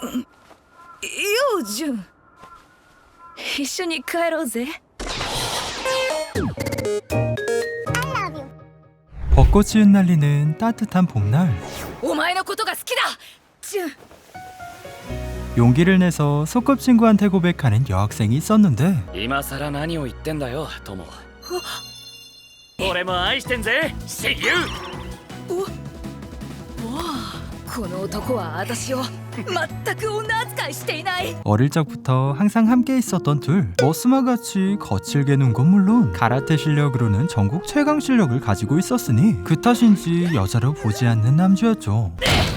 ようジュン一緒に帰ろうぜ 벚꽃이 흩날리는 따뜻한 봄날 お前のことが好きだジュン 용기를 내서 소꿉친구한테 고백하는 여학생이 있었는데 今さら何を言ってんだよ友俺も愛してんぜシユこの男は私を全く女扱いしていない 어릴 적부터 항상 함께 있었던 둘 머스마같이 거칠게 논 건 물론 가라테 실력으로는 전국 최강 실력을 가지고 있었으니 그 탓인지 여자로 보지 않는 남주였죠.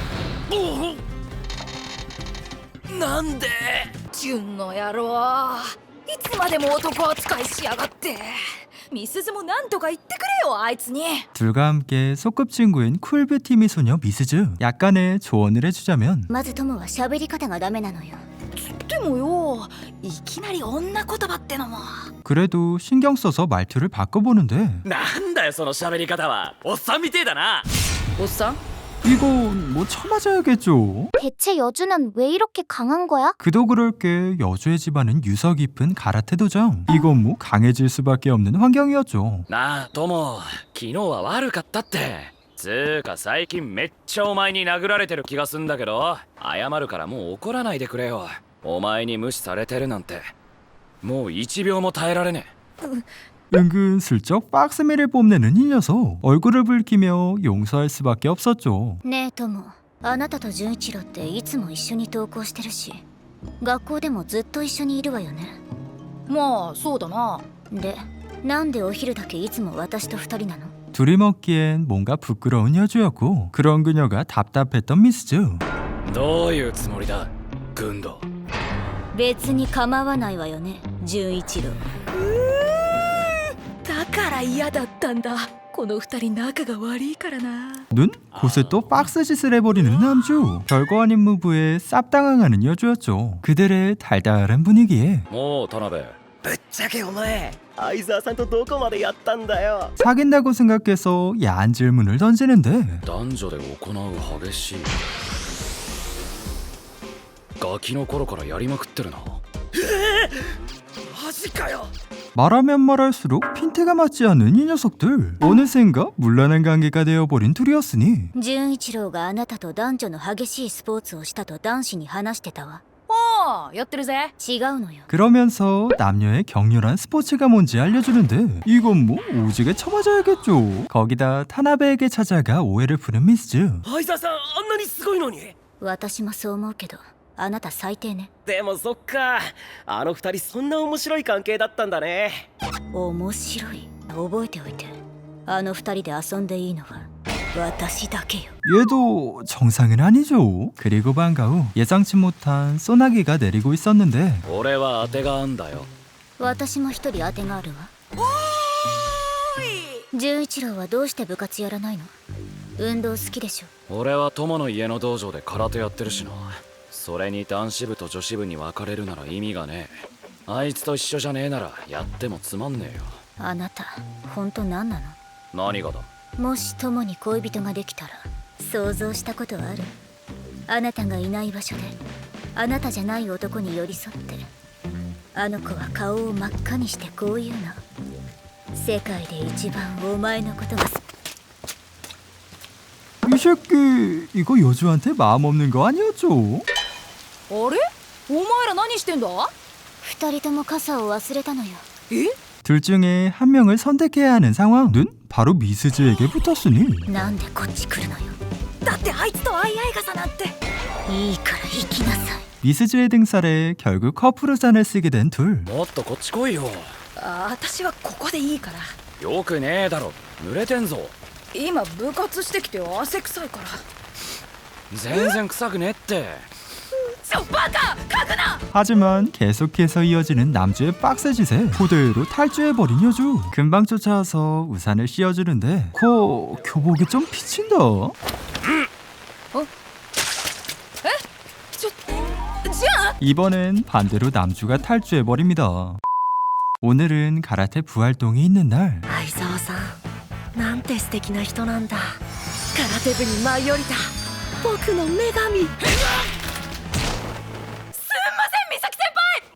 なんでジュンの野郎いつまでも男扱いしやがってミスズもなんとか言ってくれよあいつに 둘과 함께 소꿉친구인 쿨뷰티 미소녀 미스즈 약간의 조언을 해주자면 まず友は喋り方がダメなのよ。 でもよいきなり女言葉ってのも 그래도 신경 써서 말투를 바꿔보는데 なんだよその喋り方はおっさんみてえだなおっさん 이건 뭐 쳐맞아야겠죠. 대체 여주는 왜 이렇게 강한 거야? 그도 그럴 게 여주의 집안은 유서 깊은 가라테 도장. 이건 뭐 강해질 수밖에 없는 환경이었죠. なあ友昨日は悪かったってつーか最近めっちゃお前に殴られてる気がすんだけど謝るからもう怒らないでくれよお前に無視されてるなんてもう1秒も耐えられねえ 은근슬쩍 박스미를 뽐내는 이 녀석. 얼굴을 붉히며 용서할 수밖에 없었죠. ねえ友、あなたと純一郎っていつも一緒に登校してるし、学校でもずっと一緒にいるわよね。 まあそうだなで、なんでお昼だけいつも私と二人なの？ 둘이 먹기엔 뭔가 부끄러운 여주였고 그런 그녀가 답답했던 미스즈. どういうつもりだ軍道別に構わないわよね、純一郎。 だから嫌だったんだこの二人仲が悪いからな 눈? 곳에 또 박스짓을 해버리는 남주. 별거 아닌 무브에 쌉당황하는 여주였죠. 그들의 달달한 분위기에 もう田辺ぶっちゃけお前相沢さんとどこまでやったんだよ 사귄다고 생각해서 야한 질문을 던지는데 男女で行う激しいガキの頃からやりまくってるなマジかよ 말하면 말할수록 핀태가 맞지 않는 이 녀석들. 어느샌가 물란한 관계가 되어버린 둘이었으니 純一郎があなたと男女の激しいスポーツをしたと男子に話してたわ。 おおやってるぜ違うのよ。 그러면서 남녀의 격렬한 스포츠가 뭔지 알려주는데 이건 뭐 오지게 쳐맞아야겠죠. 거기다 타나베에게 찾아가 오해를 푸는 미스즈. 相沢さんあんなにすごいのに私もそう思うけど、あなた最低ね。 でもそっかあの二人そんな面白い関係だったんだね面白い。覚えておいて。あの二人で遊んでいいのは私だけよ。 얘도 정상은 아니죠. 그리고 방과 후 예상치 못한 소나기가 내리고 있었는데 俺は当てがあんだよ私も一人当てがあるわ。純一郎はどうして部活やらないの？運動好きでしょ。 俺は友の家の道場で空手やってるしなそれに男子部と女子部に分かれるなら意味がねえあいつと一緒じゃねえならやってもつまんねえよあなた本当何なの？ 何がだもし友に恋人ができたら想像したことある？あなたがいない場所であなたじゃない男に寄り添ってあの子は顔を真っ赤にしてこう言うの。世界で一番お前のことが 이 새끼 이거 여주한테 마음 없는 거 아니었죠? あれお前ら何してんだ二人とも傘を忘れたのよ。 え 둘 중에 한 명을 선택해야 하는 상황. 눈? 바로 미스즈에게 붙었으니 なんでこっち来るのよ。 だってあいつと相合い傘なんていいから行きなさい。 미스즈의 등살에 결국 커플 잔을 쓰게 된 둘. もっとこっち来いよ私はここでいいからよくねえだろ濡れてんぞ今部活してきて汗臭いから全然臭くねえってバカ書くな 하지만 계속해서 이어지는 남주의 빡세짓에 그대로 탈주해버린 여주. 금방 쫓아와서 우산을 씌워주는데 교복이 좀 비친다. じゃあ 이번엔 반대로 남주가 탈주해버립니다. 오늘은 가라테 부활동이 있는 날. 相沢さんなんて素敵な人なんだ空手部に舞い降りた僕の女神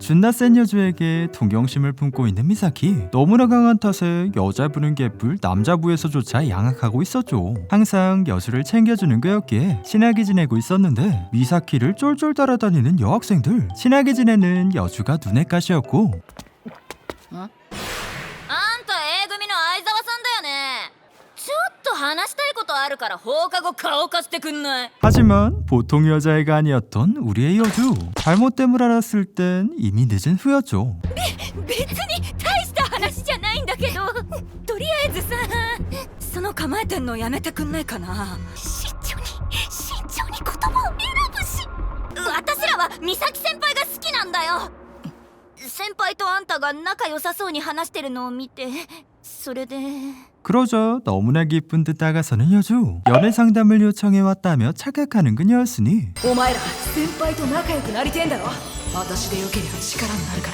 준나 센 여주에게 동경심을 품고 있는 미사키. 너무나 강한 탓에 여자부는 개뿔 남자부에서조차 양악하고 있었죠. 항상 여주를 챙겨주는 거였기에 친하게 지내고 있었는데 미사키를 쫄쫄 따라다니는 여학생들. 친하게 지내는 여주가 눈의 가시였고 あんた A 組の相沢さんだよね。ちょっと話したいことあるから放課後顔貸してくんない？ 하지만 보통 여자애가 아니었던 우리의 여주. 잘못됨을 알았을 땐 이미 늦은 후였죠. 別に大した話じゃないんだけど、とりあえずさ、その構えてんのやめてくんないかな。慎重に言葉を選ぶし。私らは美咲先輩が好きなんだよ。先輩とあんたが仲良さそうに話してるのを見て、それで 그러자 너무나 기쁜 듯 다가서는 여주. 연애 상담을 요청해왔다며 착각하는 그녀였으니 お前ら先輩と仲良くなりてんだろ。私でよければ力になるから。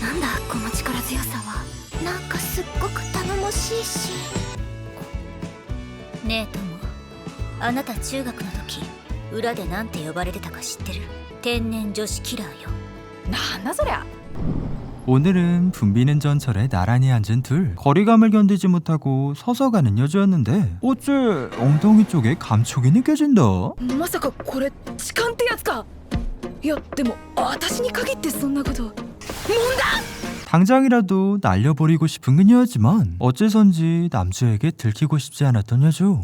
なんだこの力強さは。なんかすっごく頼もしいし。ねえ友、あなた中学の時裏でなんて呼ばれてたか知ってる？天然女子キラーよ。 なんだそりゃ。 오늘은 붐비는 전철에 나란히 앉은 둘. 거리감을 견디지 못하고 서서 가는 여주였는데 어째 엉덩이 쪽에 감촉이 느껴진다. まさかこれ痴漢ってやつか。いやでも私に限ってそんなこと。 당장이라도 날려버리고 싶은 그녀였지만 어째선지 남주에게 들키고 싶지 않았던 여주.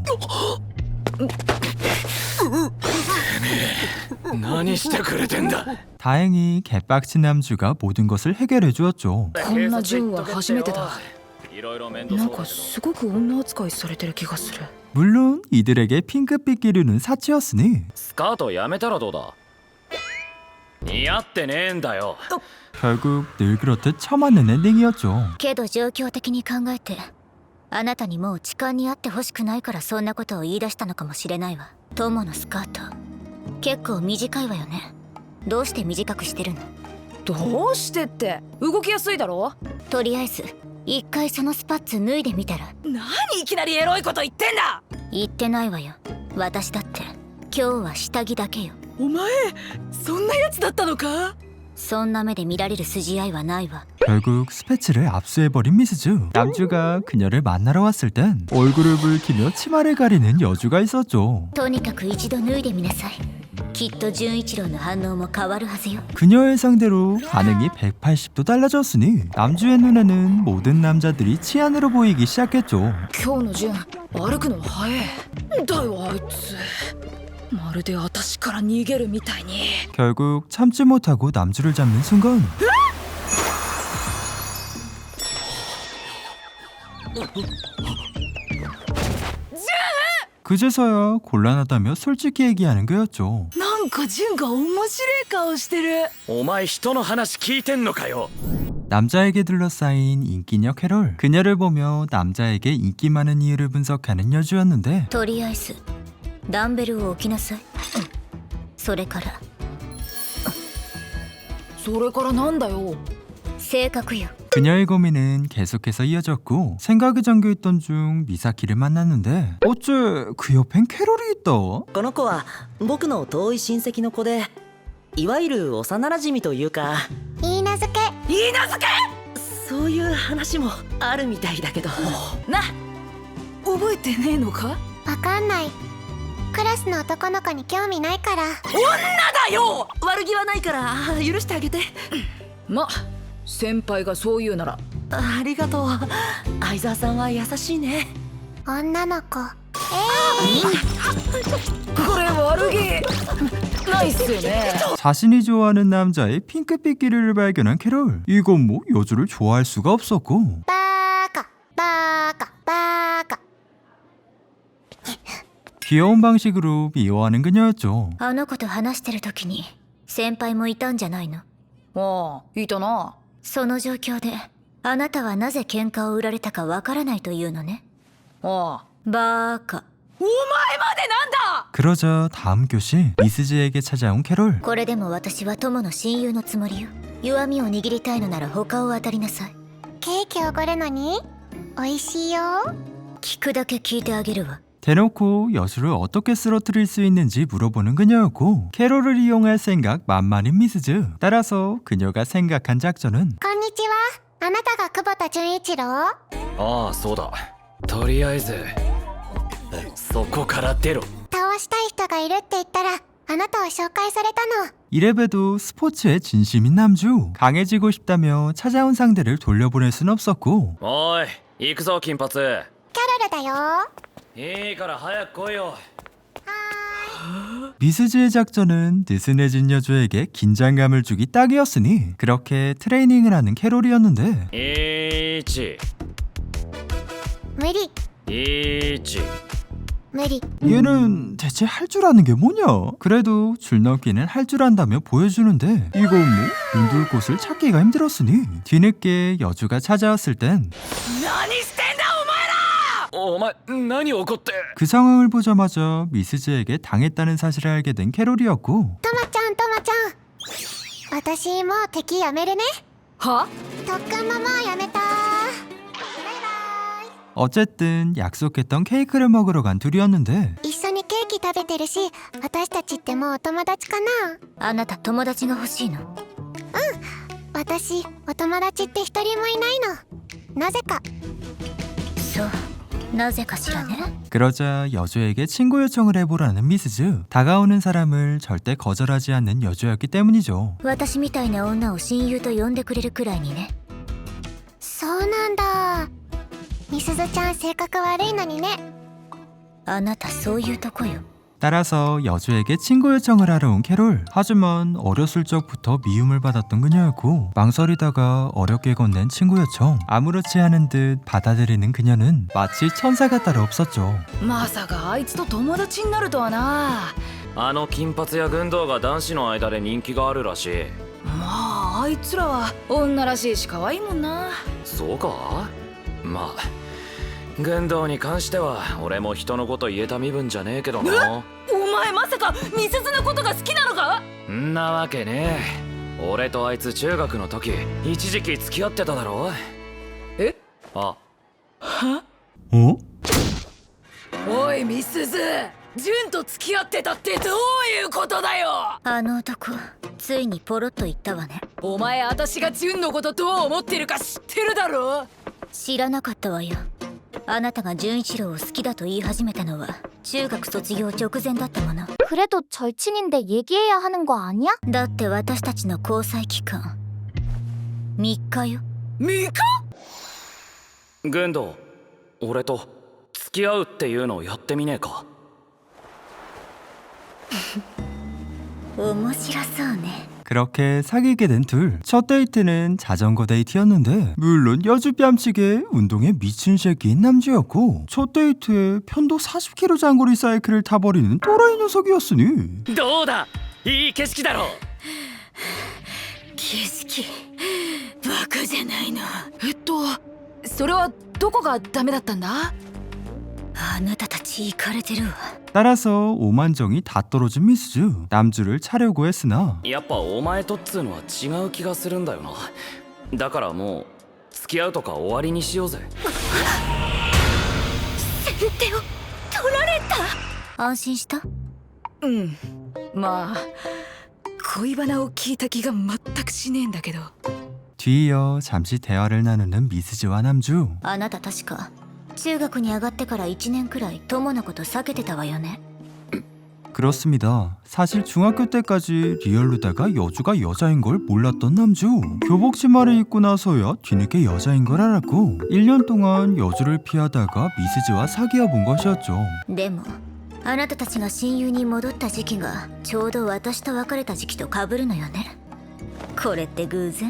何してくれてんだ。 다행히 개빡친 남주가 모든 것을 해결해 주었죠. こんな純は初めてだ。 いろいろ面倒なんかそうだけどすごく女扱いされてる気がする。 물론 이들에게 핑크빛 기류는 사치였으니 スカートやめたらどうだ。似合ってねえんだよ。 결국 늘 그렇듯 처맞는 엔딩이었죠. けど状況的に考えて、あなたにもう痴漢にあってほしくないからそんなことを言い出したのかもしれないわ。友のスカート結構短いわよね。どうして短くしてるの？ どうしてって動きやすいだろ。 とりあえず一回そのスパッツ脱いでみたら。 何いきなりエロいこと言ってんだ。 言ってないわよ。私だって今日は下着だけよ。 お前そんなやつだったのか。 そんな目で見られる筋合いはないわ。 결국 스패츠를 압수해버린 미스즈. 남주가 그녀를 만나러 왔을 땐 얼굴을 붉히며 치마를 가리는 여주가 있었죠. とにかく一度脱いでみなさい。きっと純一郎の反応も変わるはずよ。 그녀의 상대로 반응이 180도 달라졌으니 남주의 눈에는 모든 남자들이 치안으로 보이기 시작했죠. 今日の純歩くの早え。だよあいつ。まるで私から逃げるみたいに。 결국 참지 못하고 남주를 잡는 순간 그제서야 곤란하다며 솔직히 얘기하는 거였죠. なんか純が面白い顔してる。 お前人の話聞いてんのかよ。 남자에게 둘러싸인 인기녀 캐롤. 그녀를 보며 남자에게 인기 많은 이유를 분석하는 여주였는데 とりあえずダンベルを置きなさい。それからそれからなんだよ。 性格よ。 그녀의 고민은 계속해서 이어졌고 생각에 잠겨있던 중 미사키를 만났는데 어째 그 옆엔 캐롤이 있다. この子は僕の遠い親戚の子で、いわゆる幼馴染というか、 いいなずけ。 いいなずけ。 そういう話もあるみたいだけど。 な覚えてねえのか。 わかんない。クラスの男の子に興味ないから。 女だよ。 悪気はないから許してあげて。 ま先輩がそう言うなら。 ありがとう。相沢さんは優しいね。 女の子。 これ悪気ないっすよね。 자신이 좋아하는 남자의 핑크빛 기류를 발견한 캐롤. 이건 뭐 여주를 좋아할 수가 없었고 バーカバーカバーカ。 귀여운 방식으로 미워하는 그녀였죠. あの子と話してる時に先輩もいたんじゃないの？ ああいたな。 その状況であなたはなぜ喧嘩を売られたかわからないというのね。 ああバーカ。 お前までなんだ。 그러자 다음 교시 미스즈에게 찾아온 캐롤. これでも私は友の親友のつもりよ。弱みを握りたいのなら他を当たりなさい。 ケーキおごるのに美味しいよ。 聞くだけ聞いてあげるわ。 대놓고 여주를 어떻게 쓰러뜨릴 수 있는지 물어보는 그녀였고 캐롤을 이용할 생각 만만인 미스즈. 따라서 그녀가 생각한 작전은 こんにちは。あなたが久保田純一郎？ ああそうだとりあえずそこから出ろ倒したい人がいるって言ったらあなたを紹介されたの。 이래봬도 스포츠에 진심인 남주. 강해지고 싶다며 찾아온 상대를 돌려보낼 순 없었고 おい行くぞ金髪キャロルだよ。 いいから早く来いよ 미스즈의 작전은 느슨해진 여주에게 긴장감을 주기 딱이었으니 그렇게 트레이닝을 하는 캐롤이었는데 1 無理 1 無理。 얘는 대체 할 줄 아는 게 뭐냐? 그래도 줄넘기는 할 줄 안다며 보여주는데 이거 뭐 눈둘 곳을 찾기가 힘들었으니 뒤늦게 여주가 찾아왔을 땐 그 何してんだお前何怒って 상황을 보자마자 미스즈에게 당했다는 사실을 알게 된 캐롤이었고 トマちゃんトマちゃん。私もう敵やめるね。 は特訓ももうやめた。バイバイ。 어쨌든 약속했던 케이크를 먹으러 간 둘이었는데 一緒にケーキ食べてるし、私たちってもうお友達かな。 あなた友達が欲しいの？ 私お友達って一人もいないの。なぜか。 そうなぜかしらね。 그러자 여주에게 친구 요청을 해보라는 미스즈. 다가오는 사람을 절대 거절하지 않는 여주였기 때문이죠. 私みたいな女を親友と呼んでくれるくらいにね。 そうなんだ。みすずちゃん性格悪いのにね。 あなたそういうとこよ。 따라서 여주에게 친구 요청을 하러 온 캐롤. 하지만 어렸을 적부터 미움을 받았던 그녀였고 망설이다가 어렵게 건넨 친구 요청. 아무렇지 않은 듯 받아들이는 그녀는 마치 천사가 따로 없었죠. まさかあいつと友達になるとはな。 あの金髪や軍道が男子の間で人気があるらしいまああいつらは女らしいし可愛いもんな。 そうかまあ軍道に関しては俺も人のこと言えた身分じゃねえけどなお前まさかみすずのことが好きなのか？ んなわけねえ俺とあいつ中学の時一時期付き合ってただろえあ 어? おいみすず、純と付き合ってたってどういうことだよ。 あの男ついにポロッと言ったわね。 お前私が純のことどう思ってるか知ってるだろ。 知らなかったわよ。あなたが純一郎を好きだと言い始めたのは中学卒業直前だったもの。 그래도 절친인데 얘기해야 하는 거 아니야? だって私たちの交際期間3日よ。 ミカ？ 軍道俺と付き合うっていうのをやってみねえか面白そうね。 그렇게 사귀게 된 둘. 첫 데이트는 자전거 데이트였는데 물론 여주 뺨치게 운동에 미친 새끼인 남주였고 첫 데이트에 편도 40km 장거리 사이클을 타버리는 또라이 녀석이었으니 どうだいい景色だろ景色バカじゃないの。それはどこがダメだったんだ？ あなたたちイかれてるわ。 따라서 오만정이 다 떨어진 미스즈. 남주를 차려고 했으나 やっぱお前とっつうのは違う気がするんだよなだからもう付き合うとか終わりにしようぜ先手を取られた。安心した？ うん。まあ恋バナを聞いた気が全くしねえんだけど。 뒤이어 잠시 대화를 나누는 미스즈와 남주. あなた確か中学に上がってから1年くらい友のこと避けてたわよね。 그렇습니다. 사실 중학교 때까지 리얼루다가 여주가 여자인 걸 몰랐던 남주. 교복 치마를 입고 나서야 뒤늦게 여자인 걸 알았고 1년 동안 여주를 피하다가 미스즈와 사귀어 본 것이었죠. でもあなたたちが親友に戻った時期がちょうど私と別れた時期と被るのよね。これって偶然？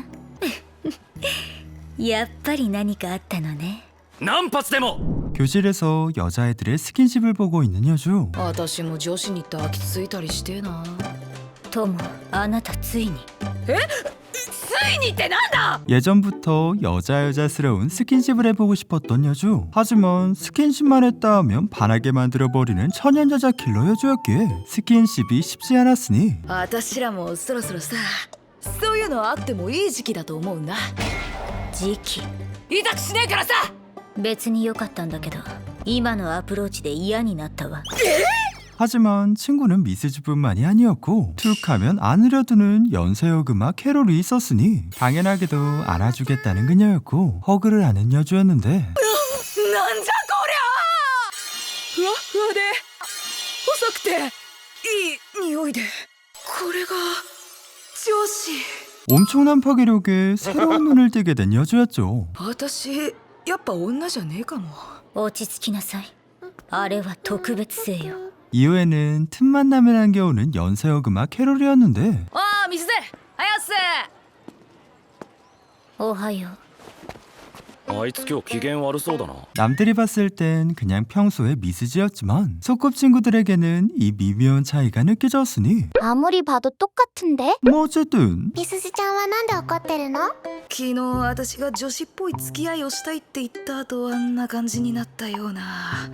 やっぱり何かあったのね。 何発でも 교실에서 여자애들의 스킨십을 보고 있는 여주. 私も女子に抱きついたりしてえな。 友、あなたついに。 ついにってなんだ？ 예전부터 여자스러운 스킨십을 해보고 싶었던 여주. 하지만 스킨십만 했다 하면 반하게 만들어버리는 천연 여자 킬러 여주였기에 스킨십이 쉽지 않았으니 私らもそろそろさ、そういうのあってもいい時期だと思うんだ。 時期痛くしねえからさ。 別に良かったんだけど、 今のアプローチで嫌になったわ。 하지만 친구는 미스즈뿐만이 아니었고 툭하면 안으려두는 연쇄여금아 캐롤이 있었으니 당연하게도 안아주겠다는 그녀였고 허그를 하는 여주였는데 なんじゃこりゃ、ふわっふわで細くていい匂いで、これが上司。 엄청난 파괴력에 새로운 눈을 뜨게 된 여주였죠. 私やっぱ女じゃねえかも。 落ち着きなさい。あれは特別性よ。 이후에는 틈만 나면 안겨오는 연쇄여금아 캐롤이었는데 ああ、水で早瀬。 おはよう。 あいつ今日機嫌悪そうだな。 남들이 봤을 땐 그냥 평소의 미스즈였지만 소꿉친구들에게는 이 미묘한 차이가 느껴졌으니 アモリ봐도 똑같은데? 뭐 어쨌든 みすずちゃんはなんで怒ってるの？ 昨日私が女子っぽい付き合いをしたいって言った後、あんな感じになったような。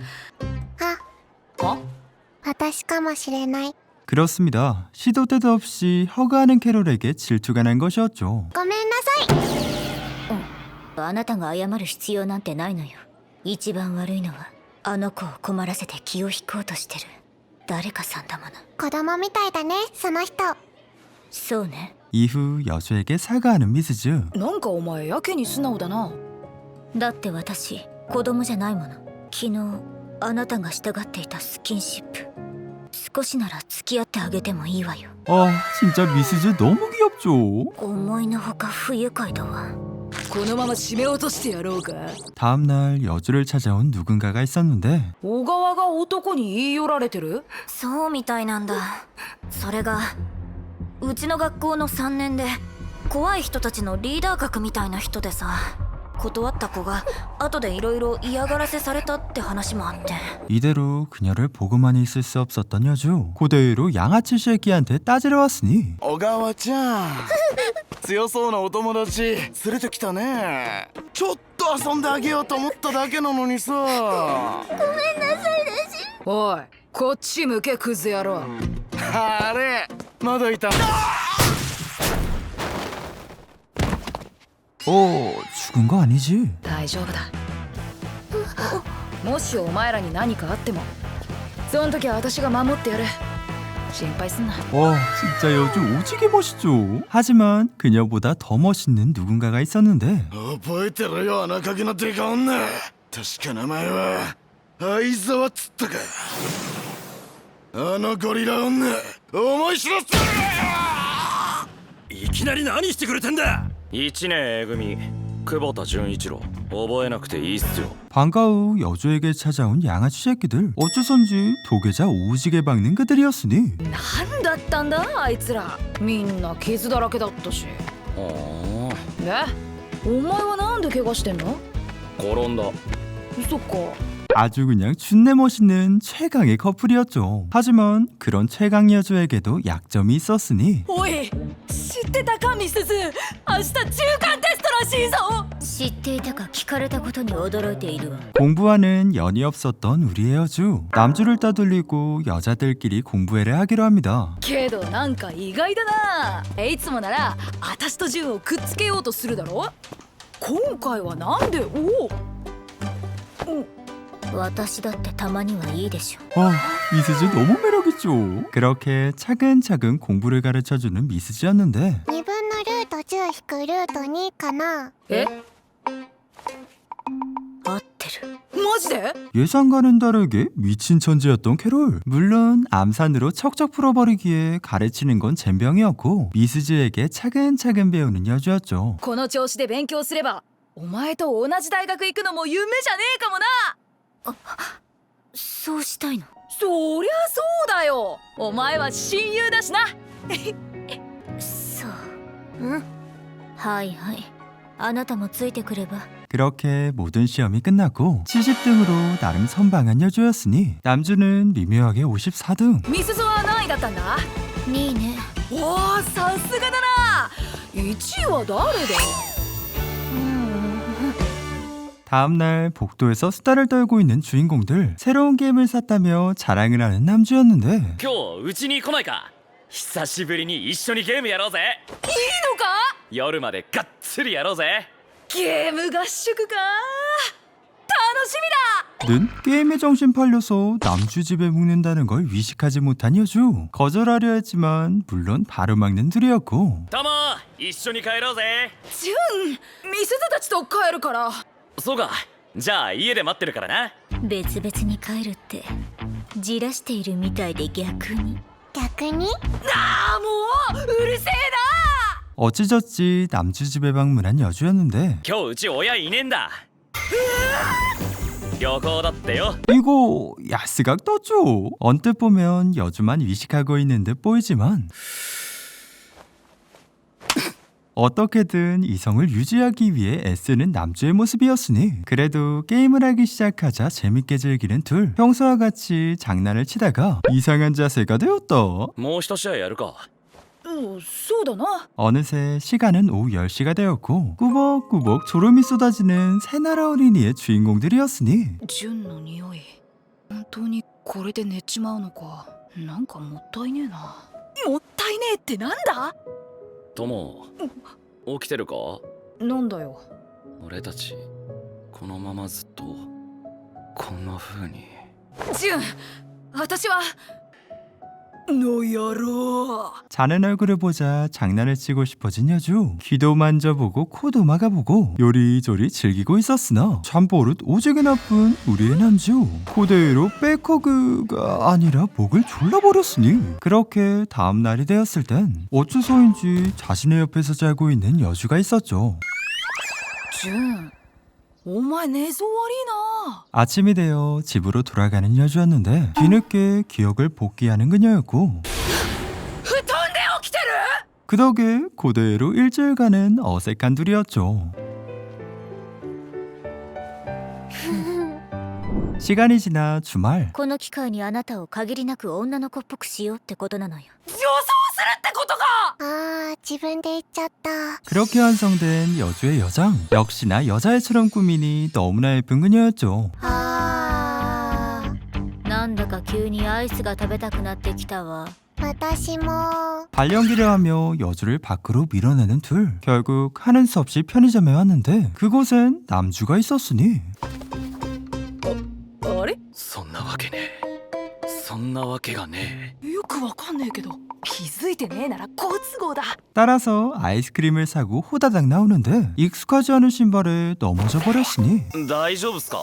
あ、私かもしれない。 그렇습니다. 시도 때도 없이 허가하는 캐롤에게 질투가 난 것이었죠. ごめんなさい。 あなたが謝る必要なんてないのよ。一番悪いのはあの子を困らせて気を引こうとしてる誰かさんだもの。 子供みたいだね、その人。 そうね。 이후 여주에게 사과하는 미스즈. なんかお前やけに素直だな。 だって私子供じゃないもの。昨日あなたがしたがっていたスキンシップ、少しなら付き合ってあげてもいいわよ。 아 진짜 미스즈 너무 귀엽죠. 思いのほか不愉快だわ。 このまま締め落としてやろうか。 다음날 여주를 찾아온 누군가가 있었는데 小川が男に言い寄られてる。 そうみたいなんだ。それがうちの学校の3年で怖い人たちのリーダー格みたいな人でさ、断った子が後でいろいろ嫌がらせされたって話もあって。 이대로 그녀를 보고만 있을 수 없었던 여주. 그대로 양아치 새끼한테 따지러 왔으니 小川ちゃん強そうなお友達連れてきたね。ちょっと遊んであげようと思っただけなのにさ。 おい、こっち向けクズ野郎。 あれまだいた。 죽은 거 아니지? 大丈夫だ。もしお前らに何かあっても、その時は私が守ってやる。心配すんな。 와 진짜 여주 오지게 멋있죠. 하지만 그녀보다 더 멋있는 누군가가 있었는데 覚えてろよ、穴かけのデカ女。確か名前は相沢っつったか。あのゴリラ女思い知らせろ。 いきなり何してくれてんだ。1年 A組久保田純一郎、覚えなくていいっすよ。 방과 후 여주에게 찾아온 양아치 새끼들. 어째선지 도계자 오지게 박는 그들이었으니 何だったんだあいつら。みんな傷だらけだったし。 あで、お前はなんで怪我してんの？ あ、転んだ。 そっか。 아주 그냥 준내 멋있는 최강의 커플이었죠. 하지만 그런 최강 여주에게도 약점이 있었으니 おい、知ってたかミスズ。明日中間テストらしいぞ。 知っていたか聞かれたことに驚いているわ。 공부와는 연이 없었던 우리의 여주. 남주를 따돌리고 여자들끼리 공부회를 하기로 합니다. けどなんか意外だな。いつもなら私と純をくっつけようとするだろ。今回はなんで？おお。 私だってたまにはいいでしょ。 와 미스즈 너무 매력있죠. 그렇게 차근차근 공부를 가르쳐주는 미스즈였는데 2分のルート10引くルート2かな。 え？ 合ってる。 マジで？ 예상과는 다르게 미친 천재였던 캐롤. 물론 암산으로 척척 풀어버리기에 가르치는 건 젬병이었고 미스즈에게 차근차근 배우는 여주였죠. この調子で勉強すればお前と同じ大学行くのも夢じゃねえかもな。 そうしたいの？ そりゃそうだよ。お前は親友だしな。 そう。うん。はいはい。あなたもついてくれば。 그렇게 모든 시험이 끝났고 70등으로 나름 선방한 여주였으니 남주는 미묘하게 54등. ミスズは何位だったんだ？ いいね。 おお、さすがだな。1位は誰だ？ 다음날 복도에서 수다를 떨고 있는 주인공들. 새로운 게임을 샀다며 자랑을 하는 남주였는데 今日うちに来ないか。久しぶりに一緒にゲームやろうぜ。 いいのか？ 夜までがっつりやろうぜ。 ゲーム合宿か。楽みだ 는 게임에 정신 팔려서 남주 집에 묵는다는 걸 위식하지 못한 여주. 거절하려 했지만 물론 바로 막는 둘이었고 タモ一緒に帰ろうぜ。 ジュンみすずたちと帰るからそうか、じゃあ家で待ってるからな。 別々に帰るってじらしているみたいで逆に逆にああもううるせえ 어찌저찌 남주 집에 방문한 여주였는데 今日うち親いねえんだ。旅行だってよ。 이거 야스각 떴죠. 언뜻 보면 여주만 위식하고 있는 듯 보이지만 어떻게든 이성을 유지하기 위해 애쓰는 남주의 모습이었으니 그래도 게임을 하기 시작하자 재밌게 즐기는 둘. 평소와 같이 장난을 치다가 이상한 자세가 되었다. もう一試合やるか。 そうだな 어느새 시간은 오후 10시가 되었고 꾸벅꾸벅 졸음이 쏟아지는 새나라 어린이의 주인공들이었으니 ジュンの匂い本当にこれで寝ちまうのかなんかもったいねえなもったいねえってなんだトモ起きてるか。 なんだよ俺たちこのままずっとこんな風に。 ジュン私はの野郎 자는 얼굴을 보자 장난을 치고 싶어진 여주. 귀도 만져보고 코도 막아보고 요리조리 즐기고 있었으나 잠버릇 오지게 나쁜 우리의 남주. 그대로 백허그가 아니라 목을 졸라버렸으니 그렇게 다음날이 되었을 땐 어째서인지 자신의 옆에서 자고 있는 여주가 있었죠. ジュンお前寝相悪いな 아침이 되어 집으로 돌아가는 여주였는데 뒤늦게 기억을 복귀하는 그녀였고 布団で起きてる 그 덕에 그대로 일주일간은 어색한 둘이었죠. 시간이 지나 주말 この機会にあなたを限りなく女の子っぽくしようってことなのよ。 予想するってことかあー自分で言っちゃった。 그렇게 완성된 여주의 여장. 역시나 여자애처럼 꾸미니 너무나 예쁜 그녀였죠. あーなんだか急にアイスが食べたくなってきたわ。 私も。 발연기를 하며 여주를 밖으로 밀어내는 둘. 결국 하는 수 없이 편의점에 왔는데 그곳엔 남주가 있었으니 あれそんなわけねえ。そんなわけがねよくわかんねえけど気づいてねえなら好都合だ 따라서 아이스크림을 사고 호다닥 나오는데 익숙하지 않은 신발에 넘어져 버렸으니 え。大丈夫っすか。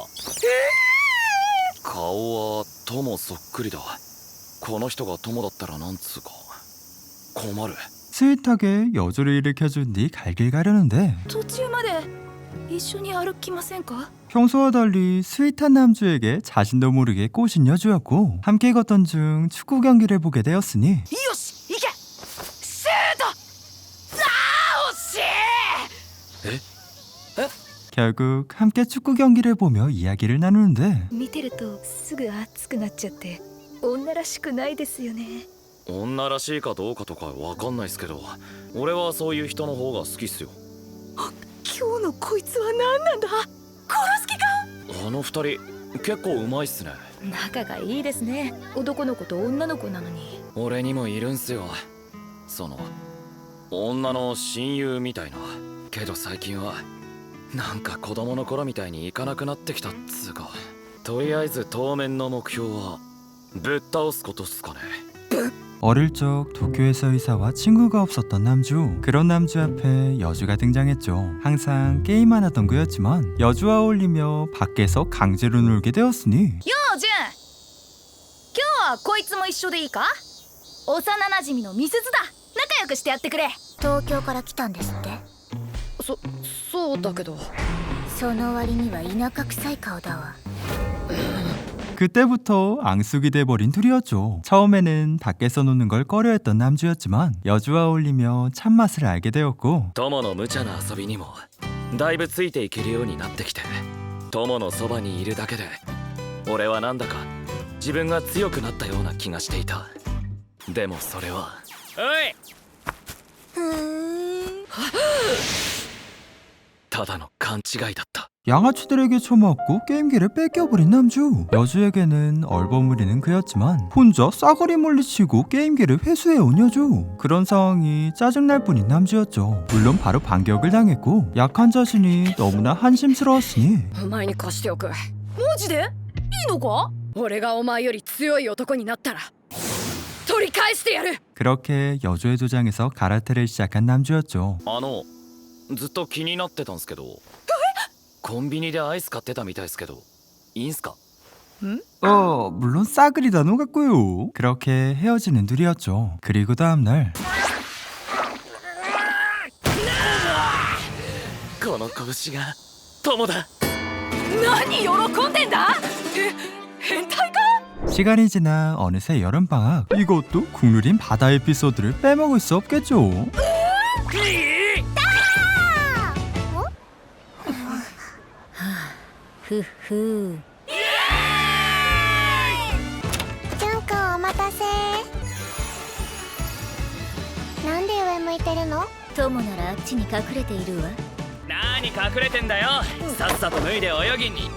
顔はトモそっくりだ。この人がトモだったらなんつうか困る。 스윗하게 여주를 일으켜준 뒤 갈 길 가려는데 途中まで一緒に歩きませんか 평소와 달리 스윗한 남주에게 자신도 모르게 꼬신 여주였고 함께 걷던 중 축구 경기를 보게 되었으니 よし行けシュートああ惜しい 결국 함께 축구 경기를 보며 이야기를 나누는데 見てるとすぐ熱くなっちゃって女らしくないですよね女らしいかどうかとかわかんないっすけど、俺はそういう人の方が好きっすよ。 今日のこいつは何なんだ殺す気かあの二人結構うまいっすね。 仲がいいですね男の子と女の子なのに俺にもいるんすよ、その女の親友みたいな。けど最近はなんか子供の頃みたいにいかなくなってきたっつうか。とりあえず当面の目標はぶっ倒すことっすかね。 어릴 적 도쿄에서 의사와 친구가 없었던 남주. 그런 남주 앞에 여주가 등장했죠. 항상 게임만 하던 그였지만 여주와 어울리며 밖에서 강제로 놀게 되었으니 ようジュン今日はこいつも一緒でいいか幼馴染のみすずだ仲良くしてやってくれ東京から来たんですって。 そうだけどその割には田舎臭い顔だわ。 그때부터 앙숙이 돼버린 둘이었죠. 처음에는 밖에서 노는 걸 꺼려했던 남주였지만 여주와 어울리며 참맛을 알게 되었고 友の無茶な遊びにもだいぶついていけるようになってきて、友のそばにいるだけで俺はなんだか自分が強くなったような気がしていた。でもそれはただの勘違いだった。 양아치들에게 처맞고 게임기를 뺏겨버린 남주. 여주에게는 얼버무리는 그였지만 혼자 싸그리 물리치고 게임기를 회수해온 여주. 그런 상황이 짜증날 뿐인 남주였죠. 물론 바로 반격을 당했고 약한 자신이 너무나 한심스러웠으니 お前に貸しておくマジでいいのか？俺がお前より強い男になったら取り返してやる。 그렇게 여주의 도장에서 가라테를 시작한 남주였죠. ずっと気になってたんすけどコンビニでアイス買ってたみたいですけどいいんすか？ 물론 싸그리다 녹았고요. 그렇게 헤어지는 둘이었죠. 그리고 다음날 この拳が友だ。 何喜んでんだ？変態か？ 시간이 지나 어느새 여름방학. 이것도 국룰인 바다 에피소드를 빼먹을 수 없겠죠. ふっふジュンくんお待たせ。なんで上向いてるの？ 友ならあっちに隠れているわ。 何隠れてんだよ。さっさと脱いで泳ぎに。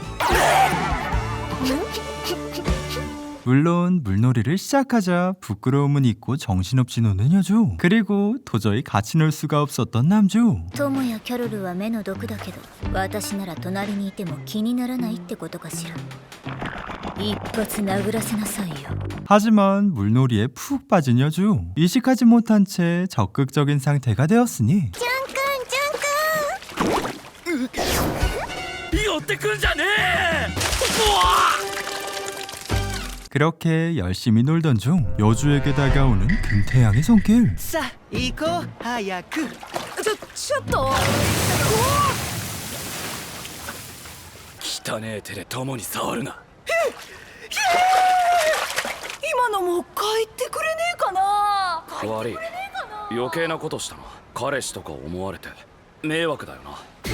물론 물놀이를 시작하자 부끄러움은 잊고 정신없이 노는 여주. 그리고 도저히 같이 놀 수가 없었던 남주. 友やキャロルは目の毒だけど、私なら隣にいても気にならないってことかしら。一発殴らせなさいよ。 하지만 물놀이에 푹 빠진 여주. 이식하지 못한 채 적극적인 상태가 되었으니 ジュンくんジュンくん。 寄ってくんじゃねえ。 그렇게 열심히 놀던 중 여주에게 다가오는 금태양의 손길. さあ行こう早く。 ちょっと汚ねえ手で友に触るな。 今のも帰ってくれねえかな？ 悪い。余計なことしたな。彼氏とか思われて迷惑だよな。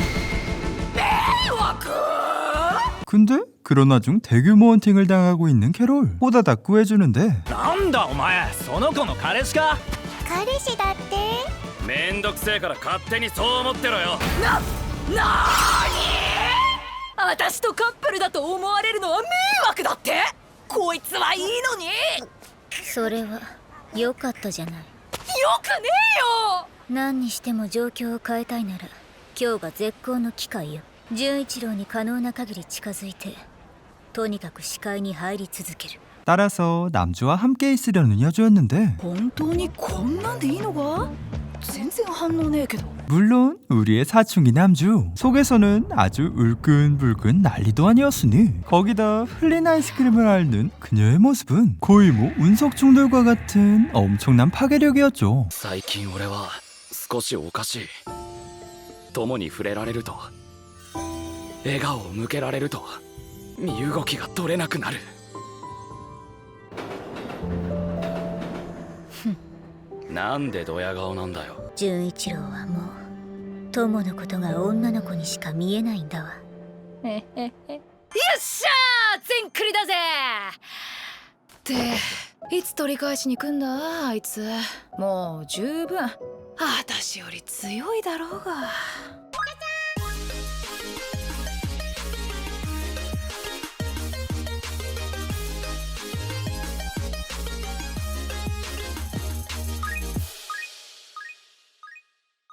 근데 그런 와중 대규모 헌팅을 당하고 있는 캐롤. 호다닥 구해주는데 なんだお前、その子の彼氏か？ 彼氏だって。 めんどくせえから勝手にそう思ってろよ。 私とカップルだと思われるのは迷惑だって？こいつはいいのに。よそれは良かったじゃない。 くねえよ。 何にしても状況を変えたいなら今日が絶好の機会よ。純一郎に可能な限り近づいてとにかく視界に入り続ける。 따라서 남주와 함께 있으려는 여주였는데 本当にこんなんでいいのか？全然反応ねえけど。 물론 우리의 사춘기 남주. 속에서는 아주 울끈불끈 난리도 아니었으니 거기다 흘린 아이스크림을 앓는 그녀의 모습은 거의 뭐 운석 충돌과 같은 엄청난 파괴력이었죠. 最近俺は少しおかしい。友に触れられると笑顔を向けられると身動きが取れなくなる。なんでドヤ顔なんだよ。 純一郎はもう友のことが女の子にしか見えないんだわ。 よっしゃー、全クリだぜ。っていつ取り返しに来んだあいつ。もう十分私より強いだろうが。